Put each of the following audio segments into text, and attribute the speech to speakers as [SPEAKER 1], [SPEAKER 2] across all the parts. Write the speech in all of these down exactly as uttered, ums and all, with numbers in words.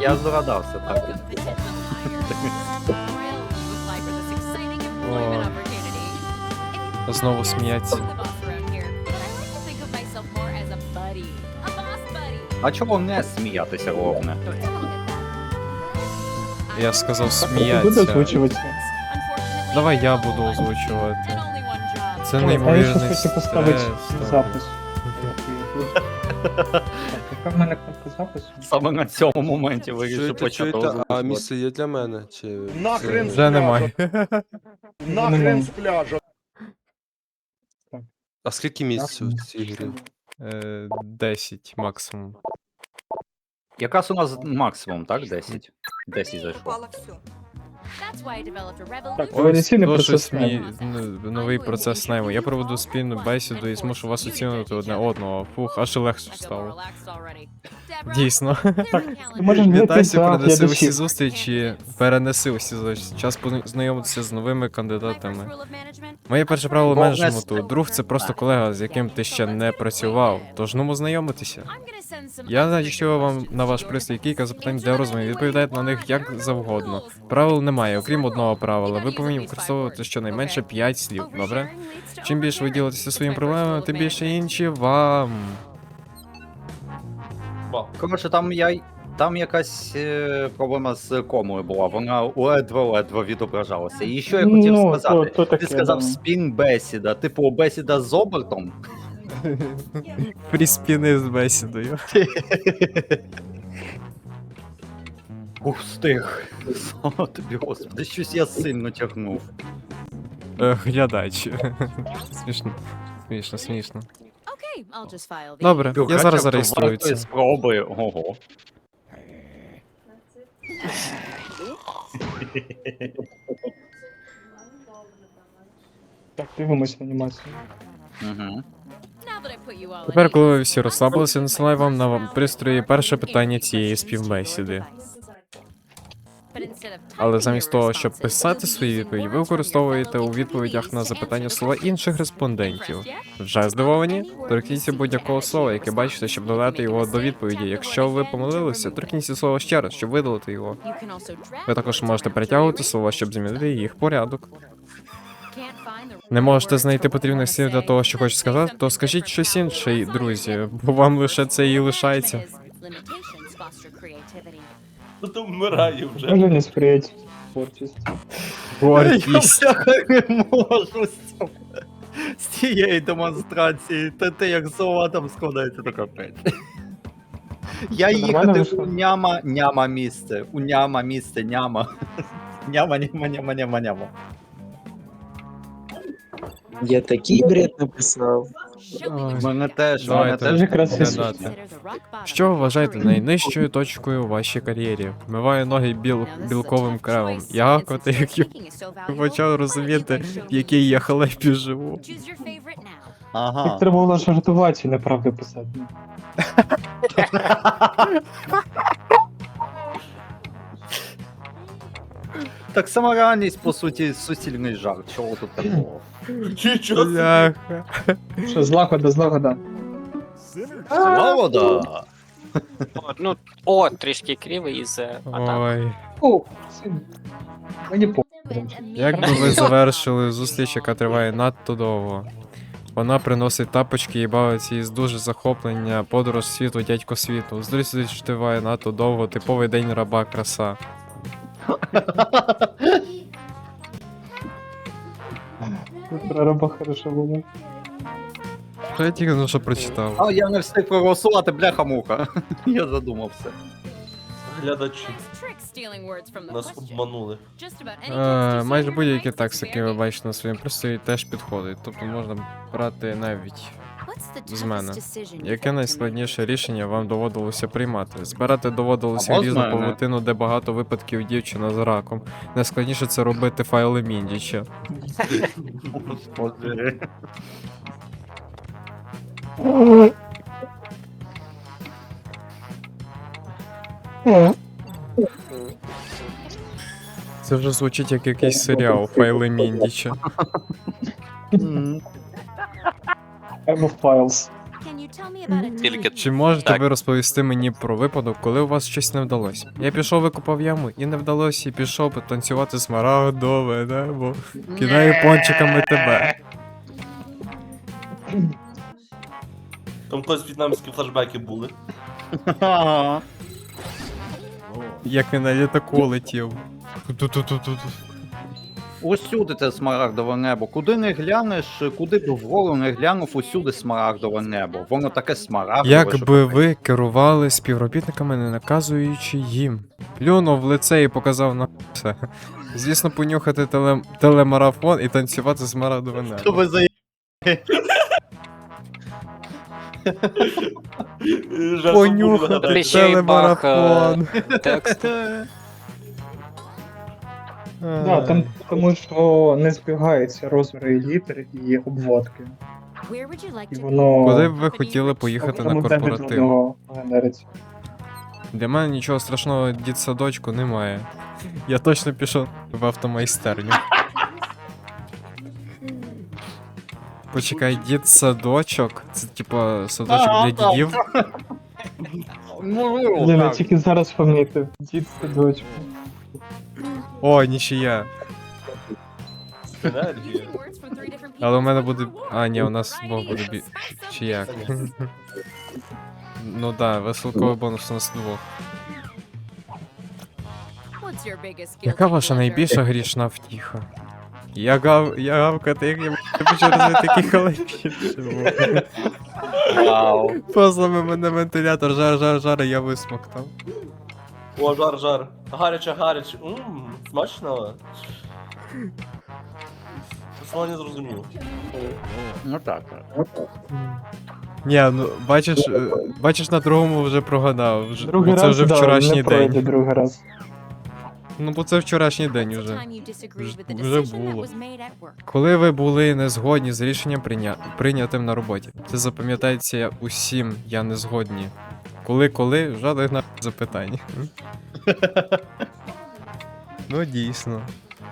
[SPEAKER 1] я здогадався, так.
[SPEAKER 2] О, знову сміяться.
[SPEAKER 1] А чого не сміятися, головне?
[SPEAKER 2] Я сказав
[SPEAKER 3] Буду
[SPEAKER 2] сміяться.
[SPEAKER 3] озвучувати.
[SPEAKER 2] Давай я буду озвучувати. Це
[SPEAKER 3] А я
[SPEAKER 2] неймовірний
[SPEAKER 3] щас хочу поставити
[SPEAKER 2] стрес.
[SPEAKER 3] запис. Так, яка в мене кнопка запису?
[SPEAKER 1] Саме на цьому моменті вирішив
[SPEAKER 4] Чуєте,
[SPEAKER 1] почати
[SPEAKER 4] чуєте, а
[SPEAKER 1] озвучувати.
[SPEAKER 4] місце є для мене? Чи...
[SPEAKER 5] Нахрен
[SPEAKER 2] Вже немає.
[SPEAKER 5] Нахрен з пляжа.
[SPEAKER 4] А скільки місць у цій грі?
[SPEAKER 2] Е, десять максимум.
[SPEAKER 1] Якраз у нас максимум, так? десять? десять зайшло.
[SPEAKER 6] Упало все.
[SPEAKER 3] Так,
[SPEAKER 2] Ось
[SPEAKER 3] еволюційний
[SPEAKER 2] то,
[SPEAKER 3] процес
[SPEAKER 2] щось мій
[SPEAKER 3] найму.
[SPEAKER 2] н- новий процес найму. Я проведу спільну бесіду і змушу вас оцінювати одне одного. Фух, аж легше стало. Дійсно.
[SPEAKER 3] Ти можеш знайти
[SPEAKER 2] Вітайся,
[SPEAKER 3] за
[SPEAKER 2] перенеси усі
[SPEAKER 3] глядачів.
[SPEAKER 2] зустрічі, перенеси усі зустрічі. Час познайомитися з новими кандидатами. Моє перше правило
[SPEAKER 1] Бо в
[SPEAKER 2] менеджменту.
[SPEAKER 1] нас-
[SPEAKER 2] Друг це просто колега, з яким ти ще не працював. Тож ну знайомитися. Я надішлю вам на ваш пристрій кілька запитань для розуму. Відповідайте на них як завгодно. Правил немає, окрім одного правила. Ви повинні використовувати щонайменше п'ять слів, добре? Чим більше ви ділитеся своїми проблемами, тим більше інші вам.
[SPEAKER 1] Коротше, там я. Там якась е, проблема з комою була, вона ледве-ледве відображалася. І що я хотів
[SPEAKER 3] Ну,
[SPEAKER 1] сказати?
[SPEAKER 3] то- то таке,
[SPEAKER 1] Ти сказав
[SPEAKER 3] да.
[SPEAKER 1] спін бесіда, типу бесіда з обертом.
[SPEAKER 2] Фріспіни з бесідою.
[SPEAKER 1] Ух, встиг. Слава тобі, господи, щось я сильно тягнув.
[SPEAKER 2] Е, Глядач. Смішно. Смішно, смішно.
[SPEAKER 7] Добре.
[SPEAKER 2] Добре, я
[SPEAKER 1] Бюрократія
[SPEAKER 2] зараз
[SPEAKER 1] вартої
[SPEAKER 2] зареєструю це.
[SPEAKER 1] спроби, ого.
[SPEAKER 3] Так, дивимось в анімацію.
[SPEAKER 1] Угу.
[SPEAKER 2] Тепер, коли ви всі розслабилися, насилаю вам на вам пристрої перше питання цієї співбесіди. Але замість того, щоб писати свої відповіді, ви використовуєте у відповідях на запитання слова інших респондентів. Вже здивовані? Торкніться будь-якого слова, яке бачите, щоб додати його до відповіді. Якщо ви помилилися, торкніться слова ще раз, щоб видалити його. Ви також можете перетягувати слова, щоб змінити їх порядок. Не можете знайти потрібних слів для того, що хочете сказати, то скажіть щось інше, друзі, бо вам лише це і лишається.
[SPEAKER 8] Ну то вмираю вже.
[SPEAKER 3] Може не сприяти творчість.
[SPEAKER 2] Гордість.
[SPEAKER 1] Я не можу з цього. З цієї демонстрації. Та те, як слова там складається, то капець. Я
[SPEAKER 3] Це нормально
[SPEAKER 1] їхати
[SPEAKER 3] вийшло?
[SPEAKER 1] у няма, няма місце. У няма місце, няма. Няма, няма, няма, няма, няма.
[SPEAKER 9] Я такий бред написав.
[SPEAKER 1] У мене теж, у мене
[SPEAKER 2] Давайте.
[SPEAKER 1] теж.
[SPEAKER 3] Дуже красиво.
[SPEAKER 2] Глядати. Що ви вважаєте найнижчою точкою у вашій кар'єрі? Вмиваю ноги біл... білковим кремом. Я, коти, як я почав розуміти, в якій я халепі живу.
[SPEAKER 1] Ага.
[SPEAKER 3] Так треба було жартувати і неправду писати.
[SPEAKER 1] Так сама реальність, по суті, суцільний жарт. Чого тут такого?
[SPEAKER 8] Нічого.
[SPEAKER 2] Бляха.
[SPEAKER 3] Що, злагода, злагода.
[SPEAKER 1] Злагода!
[SPEAKER 9] О, ну, о, трішки кривий із е, атак.
[SPEAKER 2] Ой.
[SPEAKER 3] О, це... Мені по...
[SPEAKER 2] Як би ви завершили зустріч, яка триває надто довго? Вона приносить тапочки і бавиться із дуже захоплення, подорож світу, дядько світу. Зустріч триває надто довго, типовий день раба, краса.
[SPEAKER 3] Про раба хорошо було.
[SPEAKER 2] Що я тільки ну що прочитав?
[SPEAKER 1] А я не встиг проголосувати, бляха-муха. Я задумався.
[SPEAKER 8] Глядачі нас обманули.
[SPEAKER 2] Е, майже будь-який текст, який ви бачите на своєму пристрої, теж підходить. Тобто можна брати навіть з мене. Яке найскладніше рішення вам доводилося приймати? Збирати доводилося
[SPEAKER 1] Або з
[SPEAKER 2] різну
[SPEAKER 1] мене.
[SPEAKER 2] павутину, де багато випадків дівчина з раком. Найскладніше це робити файли Міндіча.
[SPEAKER 1] Господи.
[SPEAKER 2] Це вже звучить як якийсь серіал файли Міндіча.
[SPEAKER 1] М.
[SPEAKER 3] Emo Files.
[SPEAKER 7] Can you tell me about a
[SPEAKER 9] Тільки
[SPEAKER 2] Чи можете
[SPEAKER 9] Так.
[SPEAKER 2] ви розповісти мені про випадок, коли у вас щось не вдалося? Я пішов викопав яму і не вдалося, і пішов потанцювати смарагдове небо. Кидаю пончиками тебе.
[SPEAKER 8] Там колись в'єтнамські флешбеки були.
[SPEAKER 1] Ага.
[SPEAKER 2] Як він на літаку летів. Ту-ту-ту-ту-ту.
[SPEAKER 1] Усюди це смарагдове небо. Куди не глянеш, куди б вгору не глянув, усюди смарагдове небо. Воно таке смарагдове. що
[SPEAKER 2] Якби
[SPEAKER 1] капець.
[SPEAKER 2] ви керували співробітниками, не наказуючи їм. Плюнув в лице і показав на все. Звісно, понюхати теле... телемарафон і танцювати смарагдове
[SPEAKER 1] Що
[SPEAKER 2] небо.
[SPEAKER 1] ви за
[SPEAKER 8] Жарт
[SPEAKER 2] Понюхати
[SPEAKER 8] був,
[SPEAKER 9] Кліщей, бах,
[SPEAKER 2] телемарафон.
[SPEAKER 9] текст.
[SPEAKER 3] Да, там, тому що не збігаються розміри літер і обводки.
[SPEAKER 7] Where would you like
[SPEAKER 3] І
[SPEAKER 7] to
[SPEAKER 3] воно
[SPEAKER 2] Куди б ви хотіли поїхати на
[SPEAKER 3] окремо один від
[SPEAKER 2] корпоратив?
[SPEAKER 3] одного генериться.
[SPEAKER 2] Для мене нічого страшного дітсадочку немає. Я точно пішов в автомайстерню. Почекай, дітсадочок? Це типа садочок
[SPEAKER 1] Ага,
[SPEAKER 2] для дідів?
[SPEAKER 1] Можливо,
[SPEAKER 3] Блін, я
[SPEAKER 1] так.
[SPEAKER 3] тільки зараз помітив. Дід садочку.
[SPEAKER 2] О, нічия.
[SPEAKER 8] Енергія.
[SPEAKER 2] Але у мене буде. А, ні, у нас двох буде бі. Чи як? Ну да, веселковий бонус у нас двох.
[SPEAKER 7] What's your biggest guilty
[SPEAKER 2] Яка ваша
[SPEAKER 7] pleasure?
[SPEAKER 2] найбільша грішна втіха? Я гав, я гавкати, як я почав розвити такі халепі.
[SPEAKER 1] Вау.
[SPEAKER 2] Послами мене вентилятор, жар, жар, жар, і я висмоктав.
[SPEAKER 8] О, жар, жар. Гаряче, гаряче. Ммм, смачно. Послова не зрозумів.
[SPEAKER 1] Ну так, так.
[SPEAKER 2] Ні, ну бачиш, е, бачиш, на другому вже прогадав. Вже,
[SPEAKER 3] Другий
[SPEAKER 2] бо це
[SPEAKER 3] раз,
[SPEAKER 2] вже
[SPEAKER 3] да,
[SPEAKER 2] вчорашній
[SPEAKER 3] не пройде
[SPEAKER 2] день.
[SPEAKER 3] другий раз.
[SPEAKER 2] Ну, бо це вчорашній день
[SPEAKER 7] What's the
[SPEAKER 2] уже.
[SPEAKER 7] time you disagreed with the
[SPEAKER 2] Вже
[SPEAKER 7] decision that
[SPEAKER 2] було.
[SPEAKER 7] was made at work?
[SPEAKER 2] Коли ви були не згодні з рішенням прийня... прийнятим на роботі. Це запам'ятається усім, я не згодні. Коли, коли, жодних на запитань. Ну, дійсно.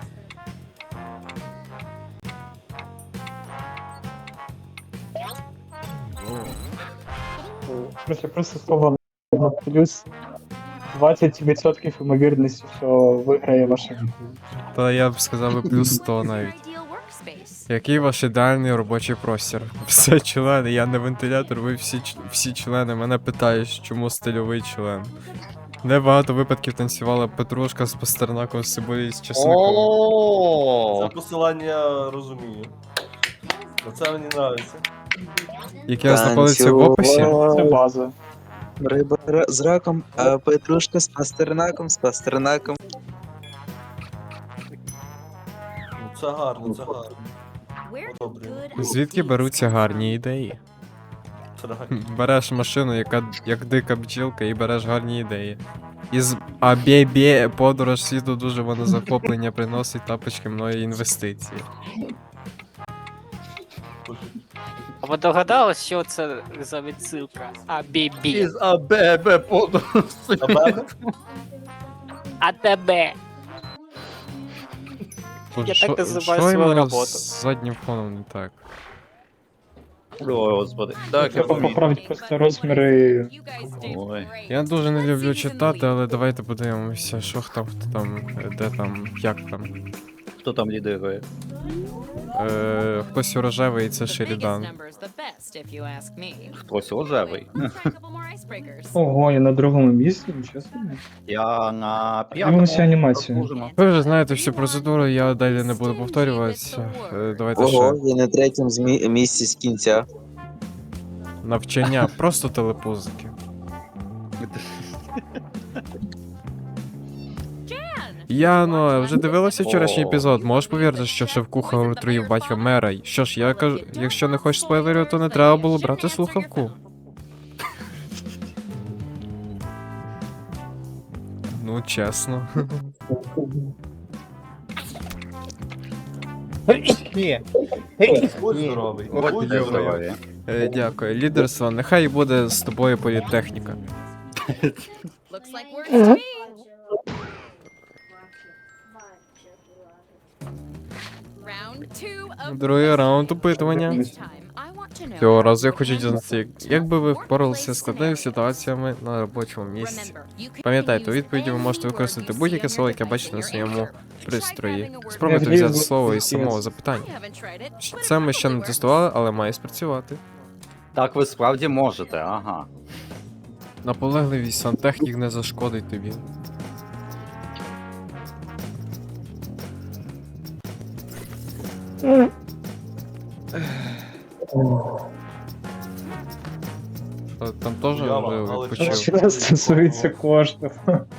[SPEAKER 3] Просто, просто слово на плюс двадцять відсотків ймовірності, що виграє ваша відповідь.
[SPEAKER 2] Та я б сказав би плюс сто навіть.
[SPEAKER 7] Ideal workspace.
[SPEAKER 2] Який ваш ідеальний робочий простір? Все члени, я не вентилятор, ви всі, ч- всі члени. Мене питають, чому стильовий член. Небагато випадків танцювала Петрушка з Пастернаком з цибулею з чесником.
[SPEAKER 8] Це
[SPEAKER 1] О,
[SPEAKER 8] посилання розумію. Оце мені подобається.
[SPEAKER 2] Яке знаходиться в описі.
[SPEAKER 3] Це база.
[SPEAKER 6] Риба ра- з раком, а петрушка з пастернаком, з пастернаком.
[SPEAKER 8] Ну це гарно, це гарно.
[SPEAKER 7] Where do
[SPEAKER 8] Добре.
[SPEAKER 7] good
[SPEAKER 2] Звідки
[SPEAKER 7] ideas
[SPEAKER 2] беруться
[SPEAKER 7] come
[SPEAKER 2] гарні ідеї?
[SPEAKER 8] Це реально.
[SPEAKER 2] Береш машину, яка як дика бджілка, і береш гарні ідеї. Із Абєбє подорож світу дуже воно захоплення приносить тапочки мною інвестиції.
[SPEAKER 9] А ви догадались, що це за відсилка? А бібі.
[SPEAKER 1] із АББ подорожі.
[SPEAKER 8] А мене?
[SPEAKER 9] А тебе.
[SPEAKER 2] Боже,
[SPEAKER 9] Я
[SPEAKER 2] що-
[SPEAKER 9] так називаю
[SPEAKER 2] що
[SPEAKER 9] свою
[SPEAKER 2] іменно
[SPEAKER 9] роботу.
[SPEAKER 2] з заднім фоном не так?
[SPEAKER 1] О, господи. Так, я
[SPEAKER 3] Треба
[SPEAKER 1] помітив.
[SPEAKER 3] поправити просто розміри.
[SPEAKER 7] You guys did
[SPEAKER 1] Ой.
[SPEAKER 7] great.
[SPEAKER 2] Я дуже не
[SPEAKER 7] Let's
[SPEAKER 2] люблю
[SPEAKER 7] see who's in the
[SPEAKER 2] читати,
[SPEAKER 7] lead.
[SPEAKER 2] але давайте подивимося, що хто хто там, е, де там, як там.
[SPEAKER 1] Хто там лідирує?
[SPEAKER 2] Е, хтось рожевий, це
[SPEAKER 7] The biggest
[SPEAKER 2] Шерідан.
[SPEAKER 7] number's the best, if you ask me.
[SPEAKER 1] Хтось рожевий.
[SPEAKER 7] Try a couple more icebreakers.
[SPEAKER 3] Ого, я на другому місці, нічого собі.
[SPEAKER 1] Я на п'ятому.
[SPEAKER 3] Дивимося анімацію.
[SPEAKER 1] заслужено.
[SPEAKER 2] Ви вже знаєте всю процедуру, я далі не буду повторюватися. Е, давайте ще.
[SPEAKER 6] Ого, я на третьому змі- місці з кінця.
[SPEAKER 2] Навчання, просто телепузики. Яно, вже дивилася вчорашній епізод. Можеш повірити, що шеф-кухар отруїв батька мера? Що ж, я кажу, якщо не хочеш спойлерів, то не треба було брати слухавку. Ну, чесно.
[SPEAKER 1] Ні.
[SPEAKER 8] Будь здоровий.
[SPEAKER 1] От
[SPEAKER 8] Будь
[SPEAKER 1] де
[SPEAKER 8] здоровий.
[SPEAKER 1] здоров'я.
[SPEAKER 2] Е, дякую. Лідерство, нехай буде з тобою політехніка.
[SPEAKER 7] Looks like we're in speed. Round two of
[SPEAKER 2] Другий раунд опитування.
[SPEAKER 7] this time. I want
[SPEAKER 2] Цього разу я хочу дізнатися, як- як би ви впоралися з складними ситуаціями на робочому місці. Пам'ятайте, у відповіді ви можете використати будь-яке слово, яке бачите на своєму пристрої. Спробуйте взяти слово із самого запитання. Це ми ще не тестували, але має спрацювати.
[SPEAKER 1] Так ви справді можете, ага.
[SPEAKER 2] Наполегливість сантехнік не зашкодить тобі. Та Там теж
[SPEAKER 8] Яма,
[SPEAKER 2] вже
[SPEAKER 8] але
[SPEAKER 2] відпочив.
[SPEAKER 3] Що стосується коштів.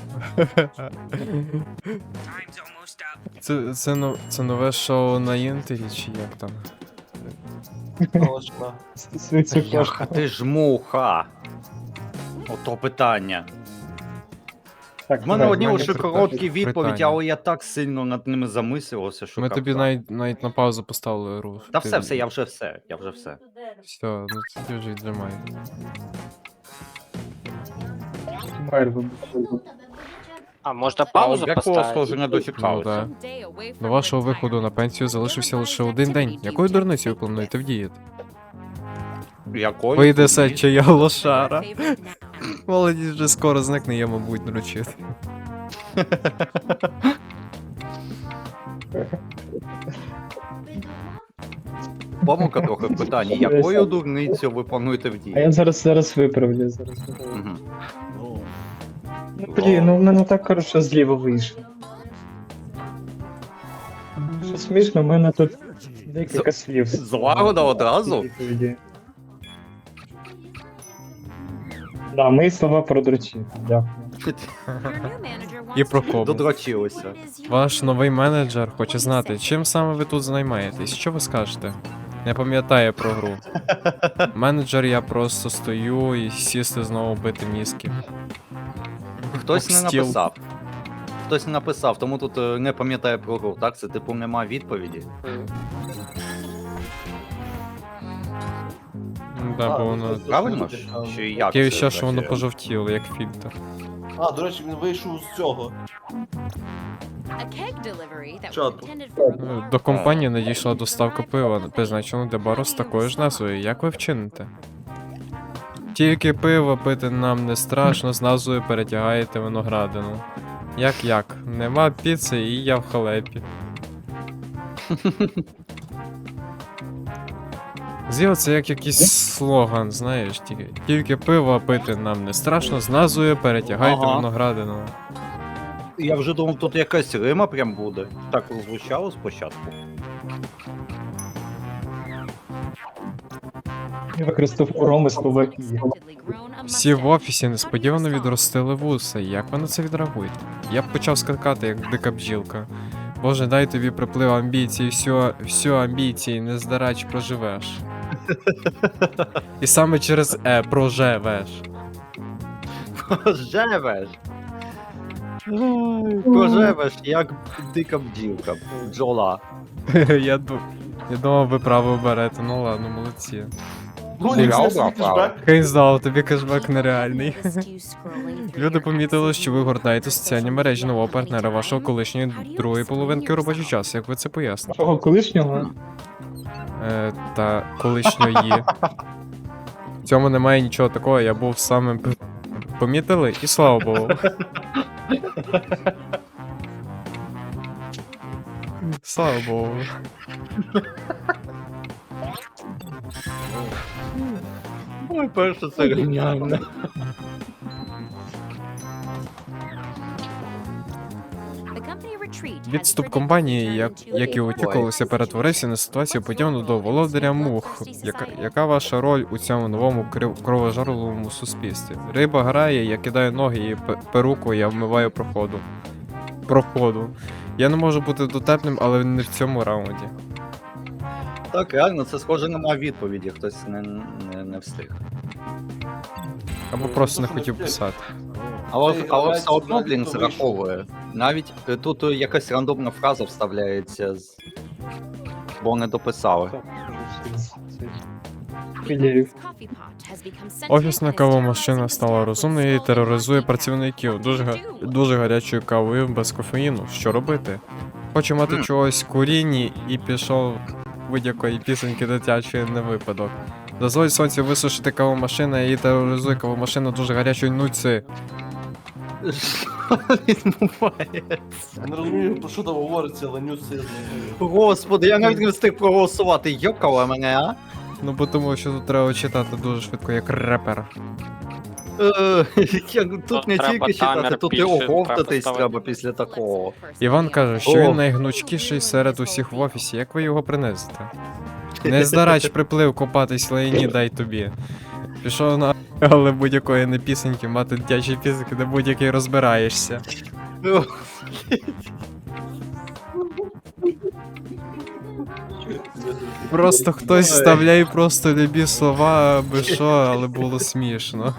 [SPEAKER 2] Це, це, но- це нове шоу на інтері, чи як там?
[SPEAKER 8] Точно.
[SPEAKER 3] Стосується
[SPEAKER 1] Бляха,
[SPEAKER 3] коштів.
[SPEAKER 1] ти ж муха. Ото питання.
[SPEAKER 3] Так,
[SPEAKER 1] В мене
[SPEAKER 3] давай,
[SPEAKER 1] одні
[SPEAKER 3] в мене
[SPEAKER 1] лише
[SPEAKER 3] питання.
[SPEAKER 1] короткі відповіді,
[SPEAKER 2] питання.
[SPEAKER 1] але я так сильно над ними замислився, що
[SPEAKER 2] Ми тобі
[SPEAKER 1] капець.
[SPEAKER 2] навіть, навіть на паузу поставили гру.
[SPEAKER 1] Та
[SPEAKER 2] Ти-
[SPEAKER 1] все, все, я вже все, я вже все.
[SPEAKER 2] Все, ну тоді вже віджимай.
[SPEAKER 3] Майр вибухнув.
[SPEAKER 9] А, можна
[SPEAKER 1] А
[SPEAKER 9] паузу
[SPEAKER 1] от якого
[SPEAKER 9] поставити?
[SPEAKER 1] схоже не дочекалися.
[SPEAKER 2] Ну, До вашого виходу на пенсію залишився лише один день. Якою дурницею ви плануєте вдіяти?
[SPEAKER 1] Якою?
[SPEAKER 2] Вийде се, чи я лошара. Молодість вже скоро зникне, я, мабуть, наручити.
[SPEAKER 1] Помилка трохи в питанні. Якою дурницею ви плануєте
[SPEAKER 3] А я
[SPEAKER 1] вдіяти?
[SPEAKER 3] зараз зараз виправлю. Зараз.
[SPEAKER 1] Мгм.
[SPEAKER 3] Ну блін, ну в мене так хорошо зліва вийшло. Що смішно, в мене тут декілька слів.
[SPEAKER 1] Злагода одразу?
[SPEAKER 3] Відповіді. Да, мої слова про дрочі. Дякую.
[SPEAKER 2] І про кому.
[SPEAKER 1] Додрочилися.
[SPEAKER 2] Ваш новий менеджер хоче знати, чим саме ви тут займаєтесь. Що ви скажете? Не пам'ятає про гру. Менеджер, я просто стою і сісти знову бити мізки.
[SPEAKER 1] Хтось не
[SPEAKER 2] Об стіл.
[SPEAKER 1] написав. Хтось не написав, тому тут е, не пам'ятає про гру, так? Це типу нема відповіді.
[SPEAKER 2] Да, бо воно.
[SPEAKER 1] Правильно ж? Чи як?
[SPEAKER 2] Таке
[SPEAKER 1] це
[SPEAKER 2] ще, що воно
[SPEAKER 1] працює?
[SPEAKER 2] пожовтіло, як фільтр.
[SPEAKER 8] А, до речі, він вийшов з цього.
[SPEAKER 7] Чату.
[SPEAKER 2] Ну, До компанії надійшла доставка пива, призначена для бару з такою ж назвою. Як ви вчините? Тільки пиво пити нам не страшно, з назвою перетягаєте виноградину. Як як? Нема піци і я в халепі. З'їв це як якийсь слоган, знаєш, тільки, тільки пиво пити нам не страшно, з назвою перетягайте
[SPEAKER 1] Ага.
[SPEAKER 2] виноградину.
[SPEAKER 1] Я вже думав, тут якась рима прям буде. Так звучало спочатку.
[SPEAKER 3] Я використав уроми слова і.
[SPEAKER 2] Всі в офісі несподівано відростили вуса. Як ви на це відреагуєте? Я б почав скакати, як дика бджілка. Боже, дай тобі приплив амбіцій, все, все амбіції, не здарач проживеш. І саме через е проживеш.
[SPEAKER 1] Живеш. Проживеш, як дика бджілка. Бджола.
[SPEAKER 2] я, ду... я думав, ви право берете, ну ладно, молодці.
[SPEAKER 8] Ну,
[SPEAKER 1] Я
[SPEAKER 8] ні, це
[SPEAKER 1] обрав
[SPEAKER 8] свій кешбек.
[SPEAKER 2] Хай знав, тобі кешбек нереальний. Люди помітили, що ви гортаєте соціальні мережі нового партнера вашого колишньої другої половинки робочий час. Як ви це поясните?
[SPEAKER 3] Того колишнього?
[SPEAKER 2] Е, та колишньої. В цьому немає нічого такого, я був самим. п- Помітили? І слава Богу. Слава Богу.
[SPEAKER 1] Ой, перше це геніально.
[SPEAKER 2] Відступ компанії, як, як і очікувалося, перетворився на ситуацію подібну до володаря мух. Яка, яка ваша роль у цьому новому крив- кровожерливому суспільстві? Риба грає, я кидаю ноги і пе- перуку, я вмиваю проходу. Проходу. Я не можу бути дотепним, але не в цьому раунді.
[SPEAKER 1] Так, реально, це схоже нема відповіді, хтось не, не, не встиг.
[SPEAKER 2] Або просто не хотів писати.
[SPEAKER 1] Але,
[SPEAKER 8] Ей,
[SPEAKER 1] але
[SPEAKER 8] Олег,
[SPEAKER 1] все одно,
[SPEAKER 8] Олег,
[SPEAKER 1] блін,
[SPEAKER 8] хто вийшов?
[SPEAKER 1] зраховує. Навіть е, тут е, якась рандомна фраза вставляється, з... бо не дописали.
[SPEAKER 3] Філірів.
[SPEAKER 2] Офісна кавомашина стала розумною і тероризує працівників дуже, га- дуже гарячою кавою без кофеїну. Що робити? Хочу мати
[SPEAKER 1] Мгм.
[SPEAKER 2] чогось курінні і пішов будь-якої пісеньки дитячої на випадок. Дозволь сонцю висушити кавомашину і тероризуй кавомашину дуже гарячою нуці.
[SPEAKER 1] Що відбувається?
[SPEAKER 8] Я не розумію, про що там говориться, але нюс я знаю.
[SPEAKER 1] Господи, я навіть не встиг проголосувати. Йокала мене, а?
[SPEAKER 2] Ну бо тому, що тут треба читати дуже швидко, як репер.
[SPEAKER 1] Е, я- Тут
[SPEAKER 9] Тут
[SPEAKER 1] не
[SPEAKER 9] треба
[SPEAKER 1] тільки читати,
[SPEAKER 9] таймер
[SPEAKER 1] тут і
[SPEAKER 9] більше, треба
[SPEAKER 1] оговтатись
[SPEAKER 9] ставити.
[SPEAKER 1] треба після такого.
[SPEAKER 2] Іван каже, що
[SPEAKER 1] О.
[SPEAKER 2] він найгнучкіший серед усіх в офісі. Як ви його принесете? Не здарач приплив копатись лайні, дай тобі. Пішов на але будь-якої не пісеньки, мати дитячі пісеньки, де будь-який розбираєшся. Просто хтось
[SPEAKER 1] Ой.
[SPEAKER 2] вставляє просто любі слова, аби що, але було смішно.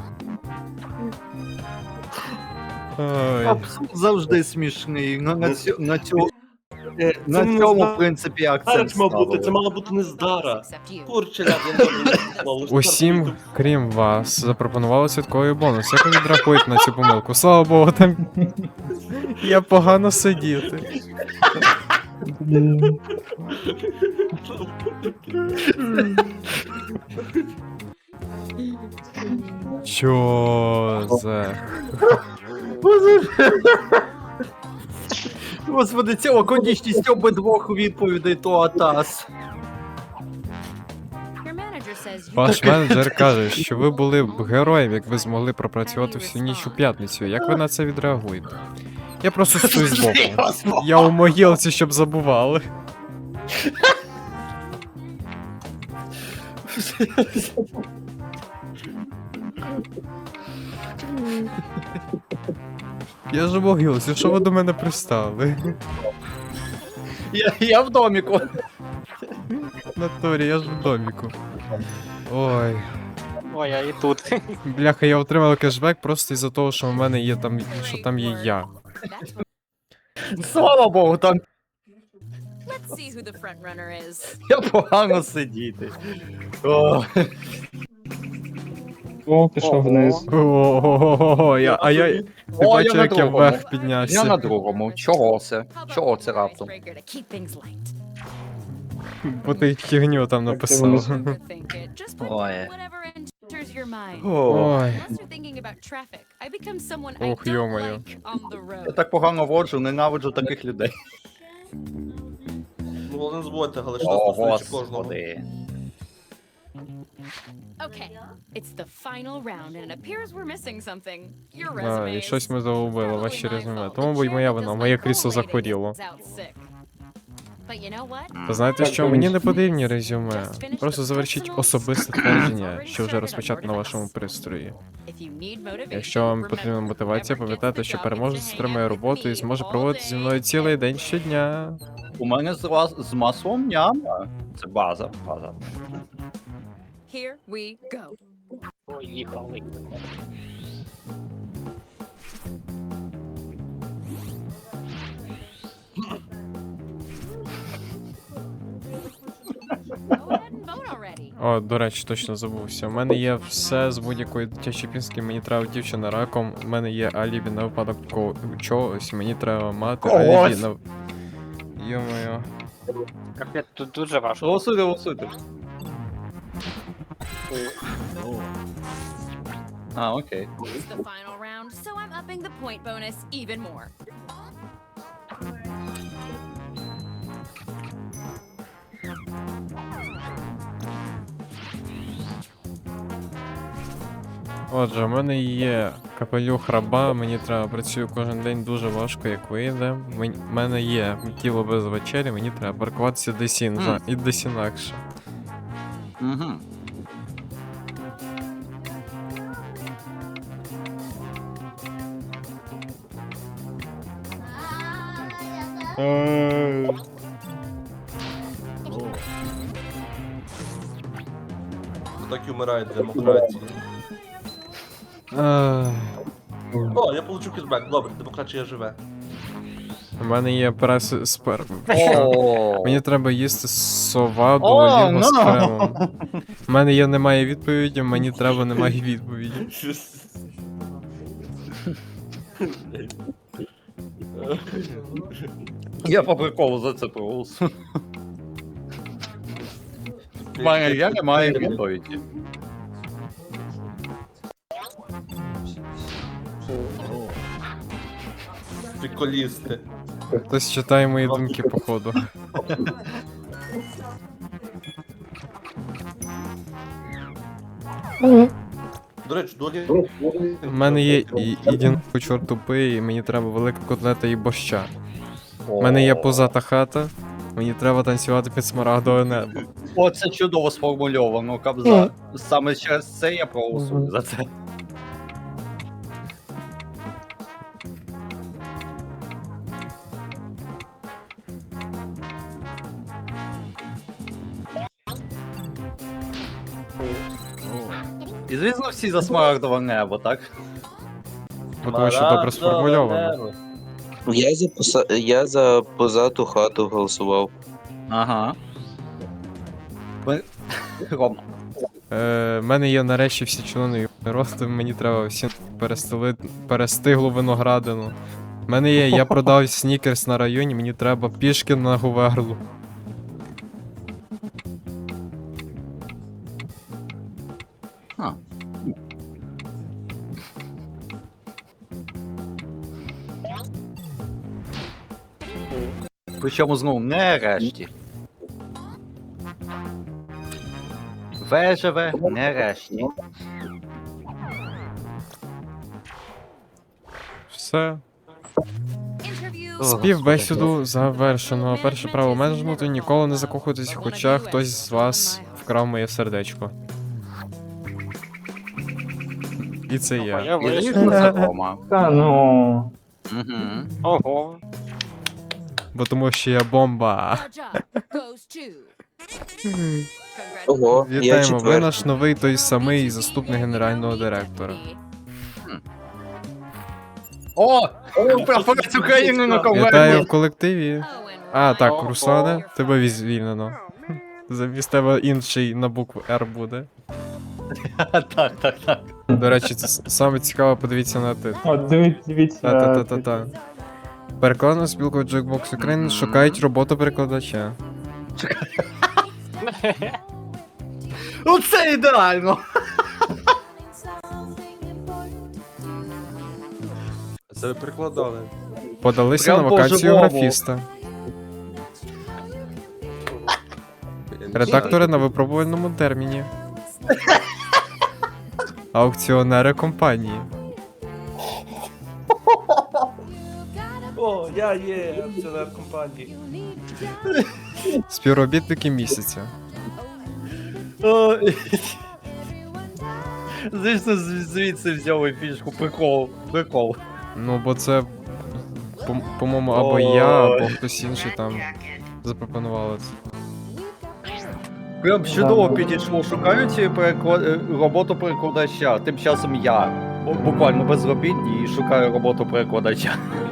[SPEAKER 2] Ой.
[SPEAKER 1] Абсурд завжди смішний. На, на, цю, на, цю,
[SPEAKER 8] Це
[SPEAKER 1] на
[SPEAKER 8] не
[SPEAKER 1] цьому,
[SPEAKER 8] Здара.
[SPEAKER 1] в принципі, акцент
[SPEAKER 8] Здарач мав бути, це
[SPEAKER 1] ставили.
[SPEAKER 8] мала бути не здара.
[SPEAKER 7] Except you.
[SPEAKER 8] Курче, ляд, я не знаю.
[SPEAKER 2] Усім, крім вас, запропонували святковий бонус. Як ви відрахуєте на цю помилку? Слава Богу, там я погано сидіти.
[SPEAKER 3] Блін.
[SPEAKER 2] Чо за...
[SPEAKER 1] Господи, ця лаконічність обидвох відповідей то атас.
[SPEAKER 7] Your manager says you
[SPEAKER 2] Ваш менеджер каже, що ви були б героєм, якби змогли пропрацювати всю ніч у п'ятницю. Як ви на це відреагуєте? Я просто стою збоку. Я у могилці, щоб забували. Я ж у могилці, що ви до мене пристали?
[SPEAKER 1] Я, я в доміку.
[SPEAKER 2] Натурі, я ж в доміку. Ой.
[SPEAKER 9] Ой, я і тут.
[SPEAKER 2] Бляха, я отримав кешбек просто із-за того, що в мене є там, що там є я.
[SPEAKER 7] That's what-
[SPEAKER 1] Слава Богу, там
[SPEAKER 7] Let's see who the front runner is.
[SPEAKER 1] я погано сидіти. О,
[SPEAKER 3] О, пішов вниз.
[SPEAKER 2] О, я, а я. Ти
[SPEAKER 1] О,
[SPEAKER 2] бачив,
[SPEAKER 1] на
[SPEAKER 2] як я
[SPEAKER 1] другому.
[SPEAKER 2] вверх
[SPEAKER 1] Я
[SPEAKER 2] піднявся.
[SPEAKER 1] на другому. Чого це?
[SPEAKER 7] How about
[SPEAKER 1] Чого
[SPEAKER 7] a
[SPEAKER 1] це
[SPEAKER 7] new
[SPEAKER 1] раптом?
[SPEAKER 7] icebreaker to keep things light?
[SPEAKER 2] Бо ти хігню там написав.
[SPEAKER 7] Overthink it. Just put
[SPEAKER 1] Ой.
[SPEAKER 7] whatever enters your mind.
[SPEAKER 1] О,
[SPEAKER 2] Ой.
[SPEAKER 7] Unless you're thinking about traffic, I become someone I
[SPEAKER 2] Ох,
[SPEAKER 7] don't
[SPEAKER 2] ё-моё.
[SPEAKER 7] like on the
[SPEAKER 1] я
[SPEAKER 7] road.
[SPEAKER 1] так погано воджу, ненавиджу таких людей.
[SPEAKER 8] Ну, але не забудьте, але що
[SPEAKER 1] О,
[SPEAKER 8] стосується кожного.
[SPEAKER 1] господи.
[SPEAKER 7] Okay, it's the final round, and it appears we're missing something. Your
[SPEAKER 2] А,
[SPEAKER 7] resume.
[SPEAKER 2] і щось ми загубили, ваші резюме. Тому будь моя вина, моє крісло захворіло. Та знаєте що, мені не потрібні резюме. Просто завершіть особисте твердження, що вже розпочато на вашому пристрої. Якщо вам потрібна мотивація, пам'ятайте, що переможець отримає роботу і зможе проводити зі мною цілий день щодня.
[SPEAKER 1] У мене з, ла- з маслом няма. Це база, база.
[SPEAKER 7] Here we go.
[SPEAKER 9] Поїхали.
[SPEAKER 7] Go ahead and vote already.
[SPEAKER 2] О, до речі, точно забувся. У мене є все з будь-якої дитячої пінски, мені треба дівчина раком, у мене є алібі на випадок ко- чогось, мені треба мати
[SPEAKER 1] Когось.
[SPEAKER 2] алібі на. Йо-моє.
[SPEAKER 9] Капець, тут дуже важко.
[SPEAKER 1] Голосуйте, голосуйте. А, окей.
[SPEAKER 7] It's the final round, so I'm upping the point bonus even more.
[SPEAKER 2] Отже, у мене є капелюх раба, мені треба працюю кожен день дуже важко, як вийде. У мене є тіло без вечері, мені треба паркуватися десь інша,
[SPEAKER 1] Мгм.
[SPEAKER 2] і десь інакше.
[SPEAKER 1] Угу.
[SPEAKER 8] Так і вмирає демократія.
[SPEAKER 2] Ах,
[SPEAKER 8] О, я получу кішбек, добре, демократія живе.
[SPEAKER 2] У мене є прес спер.
[SPEAKER 1] О,
[SPEAKER 2] Мені треба їсти сова до
[SPEAKER 1] О,
[SPEAKER 2] оліва
[SPEAKER 1] ну.
[SPEAKER 2] з кремом. У мене є немає відповіді, мені треба немає відповіді.
[SPEAKER 1] я по приколу за це проголосую. В мене я не маю відповіді.
[SPEAKER 8] Приколісти.
[SPEAKER 2] Хтось читає мої думки, походу.
[SPEAKER 8] До речі, долі.
[SPEAKER 2] У мене є і ідін чорт тупий, і мені треба велика котлета і борща. У мене є позата хата, мені треба танцювати під смарагдове небо.
[SPEAKER 1] О, це чудово сформульовано, Кобза. Саме через це я проголосую за це. І звісно всі за смарагдове небо, так?
[SPEAKER 2] Бо тому що добре сформульовано.
[SPEAKER 6] Я за, поса... я за позату хату голосував.
[SPEAKER 1] Ага. Ви- Рома.
[SPEAKER 2] Е, в мене є нарешті всі члени росту, мені треба всім перестелити перестиглу виноградину. У мене є, я продав снікерс на районі, мені треба пішки на Гуверлу.
[SPEAKER 1] А. Причому знову не решті. В живе не решті.
[SPEAKER 2] Все.
[SPEAKER 7] Interview.
[SPEAKER 2] Співбесіду завершено. Перше право менеджменту ніколи не закохуйтесь, хоча хтось з вас вкрав моє сердечко. І це я.
[SPEAKER 9] Я
[SPEAKER 1] І
[SPEAKER 9] вийшов.
[SPEAKER 1] звісно це Рома.
[SPEAKER 3] Та ну.
[SPEAKER 1] Угу.
[SPEAKER 9] Ого.
[SPEAKER 2] Бо тому що я бомба.
[SPEAKER 7] Our job goes to.
[SPEAKER 6] Ого, я
[SPEAKER 2] Вітаємо, ви
[SPEAKER 6] четвертий.
[SPEAKER 2] наш новий той самий заступник генерального директора.
[SPEAKER 1] О! Прапорець України на
[SPEAKER 2] Вітаю
[SPEAKER 1] конверті!
[SPEAKER 2] в колективі. А, так, Руслане, тебе звільнено. Замість тебе інший на букву Р буде.
[SPEAKER 1] Так, так, так.
[SPEAKER 2] До речі, це с- саме цікаво, подивіться на ти.
[SPEAKER 3] От дивіться, дивіться.
[SPEAKER 2] Та-та-та-та-та. Перекладна спілка Джекбокс України шукають роботу перекладача.
[SPEAKER 1] Ну це ідеально!
[SPEAKER 4] Це ви прикладали.
[SPEAKER 2] Подалися
[SPEAKER 1] Прям
[SPEAKER 2] на вакансію
[SPEAKER 1] по-живому.
[SPEAKER 2] графіста. Редактори на випробувальному терміні. Аукціонери компанії.
[SPEAKER 8] О, я є акціонер компанії.
[SPEAKER 2] Співробітники місяця.
[SPEAKER 1] О, звісно, з- звідси взяли фішку. Прикол, прикол.
[SPEAKER 2] Ну, бо це, по- по-моєму, або я, або хтось інший там запропонували це.
[SPEAKER 1] Прям чудово підійшло. Шукають переклад... е, роботу перекладача. Тим часом я бу- буквально безробітний і шукаю роботу перекладача.